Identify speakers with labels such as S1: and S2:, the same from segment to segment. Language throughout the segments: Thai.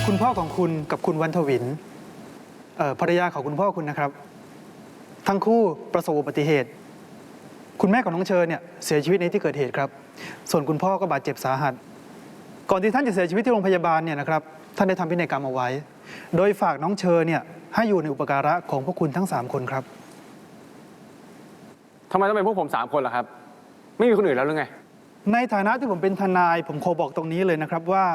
S1: คุณพ่อของคุณกับคุณวันทวินภรรยาของคุณพ่อคุณนะครับทั้งคู่ประสบอุบัติเหตุคุณแม่ของน้องเชอเนี่ยเสียชีวิตในที่เกิดเหตุครับส่วนคุณพ่อก็บาดเจ็บสาหัสก่อนที่ท่านจะเสียชีวิตที่โรงพยาบาลเนี่ยนะครับท่านได้ทำพินัยกรรมเอาไว้โดยฝากน้องเชอเนี่ยให้อยู่ในอุปการะของพวกคุณทั้ง3คนครับ
S2: ทำไมต้องเป็นพวกผม3 คนล่ะครับไม่มีคนอื่นแล้วหรือไง
S1: ในฐานะที่ผมเป็นทนายผมขอบอกตรงนี้เลยนะครับว่า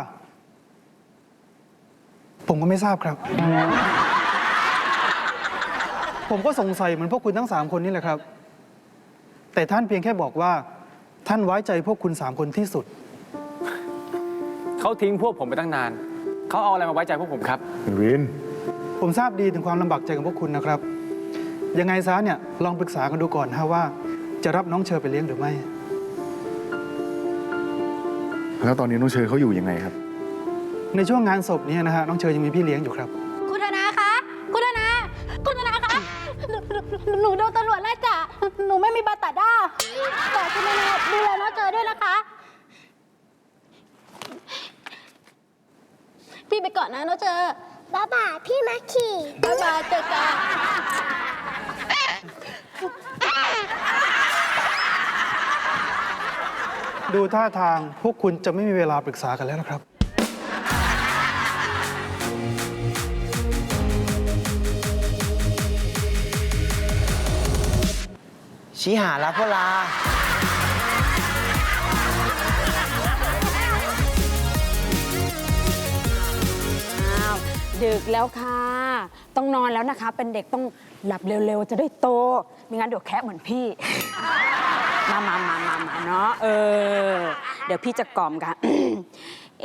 S1: ผมก็ไม่ทราบครับผมก็สงสัยเหมือนพวกคุณทั้ง3 คนนี่แหละครับแต่ท่านเพียงแค่บอกว่าท่านไว้ใจพวกคุณ3 คนที่สุด
S2: เขาทิ้งพวกผมไปตั้งนานเขาเอาอะไรมาไว้ใจพวกผมครับ
S3: วิน
S1: ผมทราบดีถึงความลำบากใจของพวกคุณนะครับยังไงซะเนี่ยลองปรึกษากันดูก่อนฮะว่าจะรับน้องเชอไปเลี้ยงหรือไม่
S3: แล้วตอนนี้น้องเชอเขาอยู่ยังไงครับ
S1: ในช่วงงานศพนี้นะฮะน้องเชอยังมีพี่เลี้ยงอยู่ครับ
S4: คุณธนาคะคุณธนาคะหนูโดนตำรวจไล่จับหนูไม่มีบัตรตัดด้าแต่คุณธนาดูแลน้องเจอด้วยนะคะพี่ไปก่อนนะน้องเจอบ๊ายบายพี่มาขี่บ๊ายบายเจอกัน
S1: ดูท่าทางพวกคุณจะไม่มีเวลาปรึกษากันแล้วนะครับ
S5: ชี้หาแล้วพ่อลา
S6: ดึกแล้วค่ะ ต้องนอนแล้วนะคะ เป็นเด็กต้องหลับเร็วๆ จะได้โตไม่งั้นเดี๋ยวแคะเหมือนพี่ มาเนาะเดี๋ยวพี่จะกล่อมกัน เอ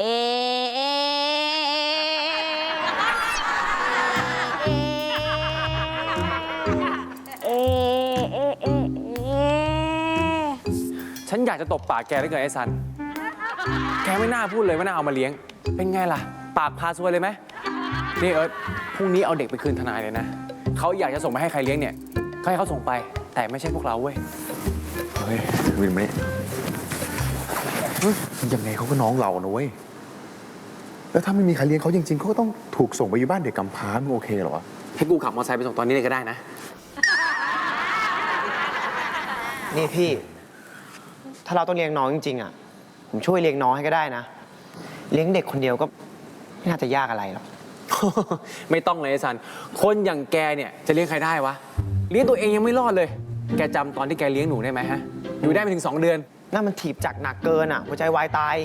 S2: ฉันอยากจะตบปากแกได้เกินไอ้ซันแกไม่น่าพูดเลยว่าน่าเอามาเลี้ยงเป็นไงล่ะปากพาซวยเลยไหมนี่เอิร์ธพรุ่งนี้เอาเด็กไปคืนทนายเลยนะเขาอยากจะส่งไปให้ใครเลี้ยงเนี่ยก็ให้เขาส่งไปแต่ไม่ใช่พวกเราเว้ย
S3: เฮ้ยวินไหมยังไงเขาก็น้องเรานะเว้ยแล้วถ้าไม่มีใครเลี้ยงเขาจริงๆเขาก็ต้องถูกส่งไปอยู่บ้านเด็กกำพร้ามันโอเคเหรอ
S2: ให้กูขับมอเตอร์ไซค์ไปส่งตอนนี้เลยก็ได้นะ
S5: นี่พี่ถ้าเราต้องเลี้ยงน้องจริงๆอ่ะผมช่วยเลี้ยงน้องให้ก็ได้นะเลี้ยงเด็กคนเดียวก็ไม่น่าจะยากอะไรหรอก
S2: ไม่ต้องเลยไอ้ซันคนอย่างแกเนี่ยจะเลี้ยงใครได้วะเลี้ยงตัวเองยังไม่รอดเลยแกจำตอนที่แกเลี้ยงหนูได้ไหมฮะอยู่ได้ไปถึง2 เดือน
S5: นั่นมันถีบจักหนักเกินอ่ะหัวใจวายตาย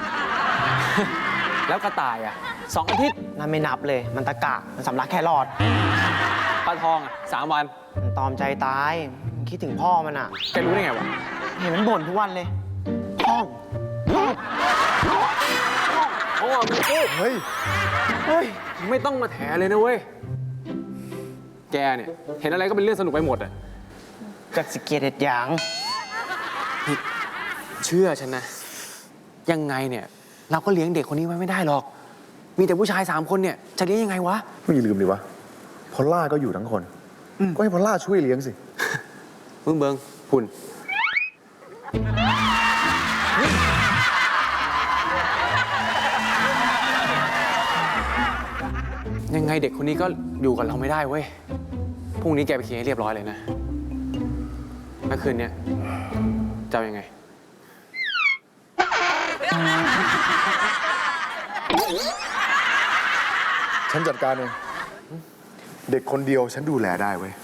S2: แล้วกระต่ายอ่ะ2 อาทิตย์
S5: นั่นไม่นับเลยมันตะกะมันสำลักแค่รอด
S2: ปลาทองอ่ะ3 วัน
S5: มันตอมใจตายคิดถึงพ่อมันอ่ะ
S2: แกรู้ได้ไงวะ
S5: เห็นมันบ่นทุกวันเลยพ่อ
S2: มึงพูด
S3: เฮ้ย
S2: ไม่ต้องมาแถเลยนะเว้ยแกเนี่ยเห็นอะไรก็เป็นเรื่องสนุกไปหมดอ่ะ
S5: กัดสเกียรติอย่าง
S2: เชื่อฉันนะยังไงเนี่ยเราก็เลี้ยงเด็กคนนี้ไว้ไม่ได้หรอกมีแต่ผู้ชาย3 คนเนี่ยจะเลี้ยงยังไงวะ
S3: ไม่อย่าลืมดิวะพอลล่าก็อยู่ทั้งคนก็ให้พอลล่าช่วยเลี้ยงสิ
S2: เบิ้งหุ่นยังไงเด็กคนนี้ก็อยู่กับเราไม่ได้เว้ยพรุ่งนี้แกไปเคลียร์ให้เรียบร้อยเลยนะเมื่อคืนเนี้ยจะเอายังไง
S3: ฉันจัดการเองเด็กคนเดียวฉันดูแลได้เว้ย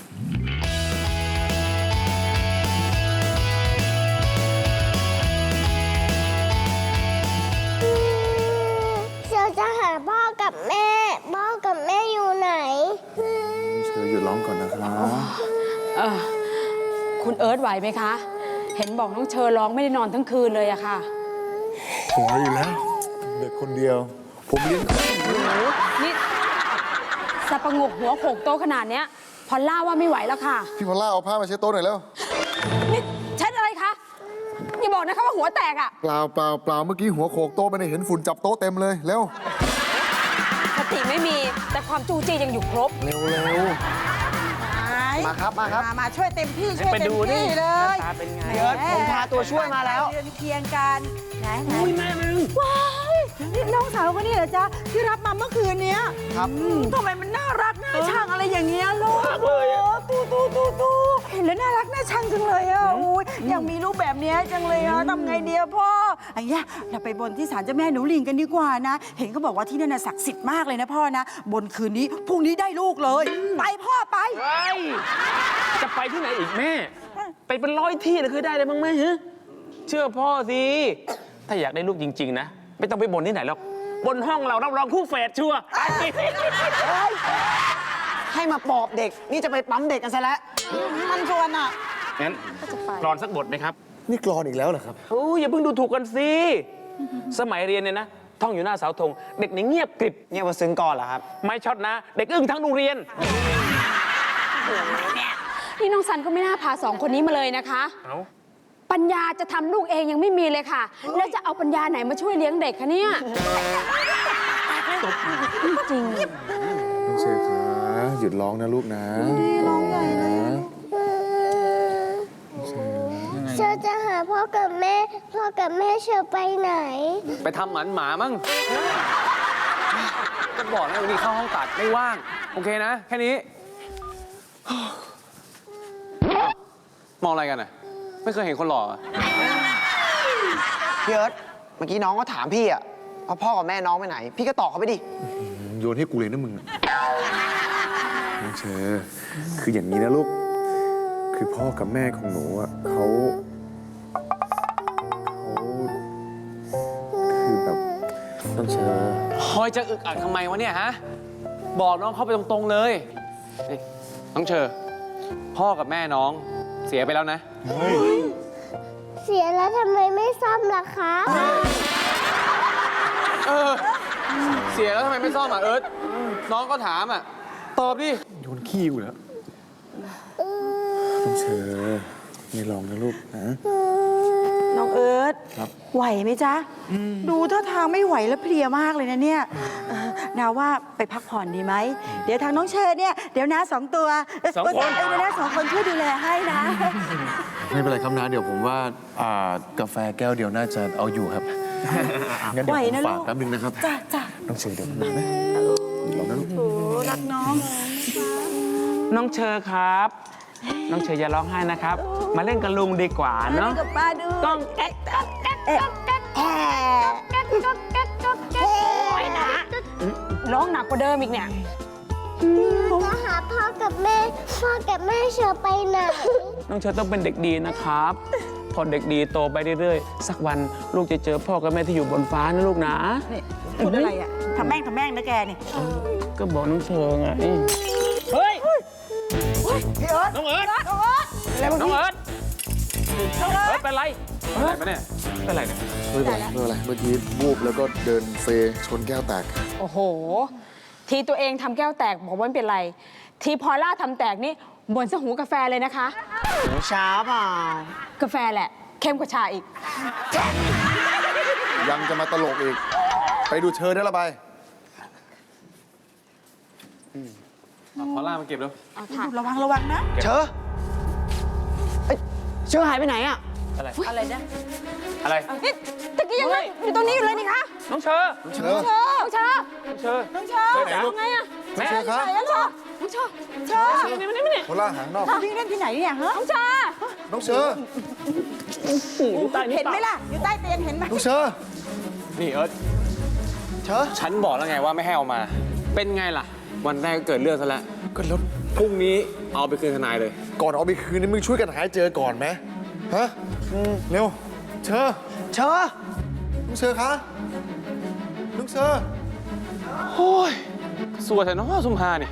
S4: เชอจะหาพ่อกับแม่อยู่ไหน
S3: เชอหยุดร้องก่อนนะครับ
S6: คุณเอิร์ธไหวไหมคะเห็นบอกน้องเชอร้องไม่ได้นอนทั้งคืนเลยอะค่ะ
S3: ไหวอยู่แล้วเด็กคนเดียวผมเลี้ยง
S6: นี่สะประงกหัวโขกโตขนาดเนี้ยพอลล่าว่าไม่ไหวแล้วค่ะ
S3: พี่พอลล่าเอาผ้ามาเช็ดโต๊ะหน่อยแล้ว
S6: นี่เช็ดอะไรคะอย่าบอกนะคะว่าหัวแตกอะ
S3: เปล่าเมื่อกี้หัวโขกโต๊ะไปเห็นฝุ่นจับโต๊ะเต็มเลยเร็ว
S6: สติไม่มีแต่ความจู้จี้ยังอยู่ครบ
S3: เร็ว
S5: มาครับ
S7: มาช่วยเต็มที่ช่วยเต็มที่เลย
S5: เดี๋ยวผมพาตัวช่วยมาแล้ว
S7: เรียนเคียงกันไหนอุ้ยแม่มึงว้ายน้องสาวคนนี้เหรอจ๊ะที่รับมาเมื่อคืนเนี้ย
S5: ครับ
S7: ทำไมมันน่ารักน่าชังอะไรอย่างเงี้ยลูกตูเห็นแล้วน่ารักน่าชังจังเลยอ่ะอุ้ยอยากมีลูกแบบเนี้ยจังเลยอ่ะทำไงดีอะพ่อไอ้เนี้ยเราไปบนที่ศาลเจ้าแม่หนูลิงกันดีกว่านะ เห็นเขาบอกว่าที่นั่นน่ะศักดิ์สิทธิ์มากเลยนะพ่อนะบนคืนนี้พรุ่งนี้ได้ลูกเลยไปพ่อไป
S2: จะไปที่ไหนอีกแม่ ไปเป็นร้อยที่เลยคือได้เลยมั้งแม่ฮะเชื่อพ่อสิ ถ้าอยากได้ลูกจริง ๆ นะ ไม่ต้องไปบนที่ไหนหรอก บนห้องเรารับรองคู่แฝดชัวร์
S5: ให้มาปอบเด็ก นี่จะไปปั๊มเด็กกันซะแล้ว
S7: มันชวนอ่ะ
S2: งั้นกรอนสักบทไหมครับ
S3: นี่กรอนอีกแล้วเหรอครับ
S2: โอ้ยอย่าเพิ่งดูถูกกันสิ สมัยเรียนเนี่ยนะ ท่องอยู่หน้าเสาธง เด็กนี่เงียบกริบ
S5: เนี่ยมาซึ้งก่อนเหรอครับ
S2: ไม่ช็อตนะ เด็กอึ้งทั้งโรงเรียน
S6: นี่น้องซันก็ไม่น่าพาสองคนนี้มาเลยนะคะ
S2: เอ้า
S6: ปัญญาจะทำลูกเองยังไม่มีเลยค่ะ แล้วจะเอาปัญญาไหนมาช่วยเลี้ยงเด็กคะเนี่ยจริง
S3: น้องเชอคะหยุดร้องนะลูกนะร้องใหญ่นะ
S8: เชอจะหาพ่อกับแม่เชอไปไหน
S2: ไปทำหมันหมามั้งก็บอกแล้ววันนี้เข้าห้องตัดไม่ว่าง โอเคนะ แค่นี้ มองอะไรกันอ่ะ ไม่เคยเห็นคนหล่ออะ
S5: พี่เอิร์ธเมื่อกี้น้องก็ถามพี่อะว่าพ่อกับแม่น้องไปไหน พี่ก็ตอบเขาไปดิ
S3: โยนให้กูเลยนะมึงน้องเชอคืออย่างนี้นะลูก คือพ่อกับแม่ของหนูอ่ะเขาคือแบบน้องเชอ
S2: คอยจะอึกอักทำไมวะเนี่ยฮะ บอกน้องเข้าไปตรงๆเลยนี่น้องเชอ พ่อกับแม่น้องเสียไปแล้วนะ
S8: เสียแล้วทำไมไม่ซ่อมล่ะคะ
S2: เออ เสียแล้วทำไมไม่ซ่อมอ่ะเอิร์ธน้องก็ถามอ่ะ ตอบดิ
S3: โยนขี้กูแล้วน้องเชอไม่ลองนะลูกนะ
S7: น้องเอิร์ธ
S3: ครับ
S7: ไหวไหมจ๊ะ ดูท่าทางไม่ไหวแล้วเพลียมากเลยนะเนี่ยนาว่าไปพักผ่อนดีไหม เดี๋ยวทางน้องเชอเนี่ยเดี๋ยวน้าสองตัว
S2: สองคน
S7: เดี๋ยวน้าสองคนช่วยดูแลให้นะ
S3: ไม่เป็นไรครับนะเดี๋ยวผมว่ากาแฟแก้วเดียวน่าจะเอาอยู่ครับงั้นเดี๋ยว
S7: ไหว
S3: ผม
S7: นะ
S3: ฝาก
S7: ลูก
S3: แป๊บนึงนะครับ
S7: จ้ะจ้ะ
S3: น้องเชอเดี๋ยวนะนะลองนะลูก
S7: โอ้รักน้อง
S2: น้องเชอครับ น้องเชออย่าร้องไห้นะครับ มาเล่นกับลุงดีกว่าเนาะ
S7: กับป้าดู
S2: ต้องแอ๊ะ
S6: ร้องหนักกว่าเดิมอีกเนี่ย
S8: จะหาพ่อกับแม่เชอไปไหน
S2: น้องเชอต้องเป็นเด็กดีนะครับ พอเด็กดีโตไปเรื่อยๆ สักวันลูกจะเจอพ่อกับแม่ที่อยู่บนฟ้านะลูกนะ
S7: นี่พูดอะไรอ่ะทำแม่งนะแกนี่
S2: ก็บอกน้องเชอไง เฮ้ย
S7: พี่เอิร์ธ
S2: น้องเอิร์ธ
S7: อะไรวะ
S2: น้อง
S7: พี่
S2: เอิร์ธเอิร์ธเป็นไรเป็นไรปะเนี่ย เป็นไรเนี่ย
S3: ไม่เป็นไรไม่เป็นไรเมื่อกี้วูบแล้วก็เดินเซชนแก้วแตก
S6: โอ้โห ทีตัวเองทำแก้วแตกบอกว่าไม่เป็นไร ทีพอล่าทำแตกนี่บ่นซะหูกาแฟเลยนะคะ
S5: หนูช้าเปล่า
S6: กาแฟแหละ เข้มกว่าชาอีก
S3: ยังจะมาตลกอีก ไปดูเชิญได้ละไป
S2: พอล่ามาเก็บแล้ว
S6: เอาค่ะ
S7: ระวังนะ
S5: เชอเอ้ยเชอหายไปไหนอะ
S7: อะไรนะ
S2: อะไร
S6: นี่ตะกี้ยังนั่งอยู่ตรงนี้อยู่เลยนี่คะ
S2: น้องเชอ
S3: เชอ
S6: น้องชา
S2: น้องเชอ
S7: น้องเชอ
S2: ไหนลูก
S6: ไงอะ
S2: แม่
S3: เชอครับ
S6: น้องชาน้องชา
S7: เชอ
S3: โคล่าหางนอก
S7: วิ่งเล่นที่ไหนเนี่ยฮะ
S6: น้องชา
S3: น้องเชอ
S7: เห็นไหมล่ะ อยู่ใต้เตียงเห็นไหม
S3: น้องเชอ
S2: นี่เอิร์ธ
S5: เชอ
S2: ฉันบอกแล้วไงว่าไม่ให้เอามา เป็นไงล่ะ วันแรกก็เกิดเรื่องซะแล้ว
S3: ก็แล้ว
S2: พรุ่งนี้เอาไปคืนทนายเลย
S3: ก่อนเอาไปคืนนี่มึงช่วยกันหาให้เจอก่อนไหมฮะเร็ว เชอ
S5: เชอ
S3: น้องเชอคะน้องเชอ
S2: โอ้ยสัวแต่น้องสุมพาเนี่ย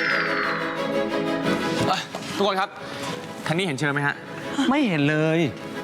S2: ทุกคนครับทางนี้เห็นเชิญไหมฮะ ไม่เห็นเลย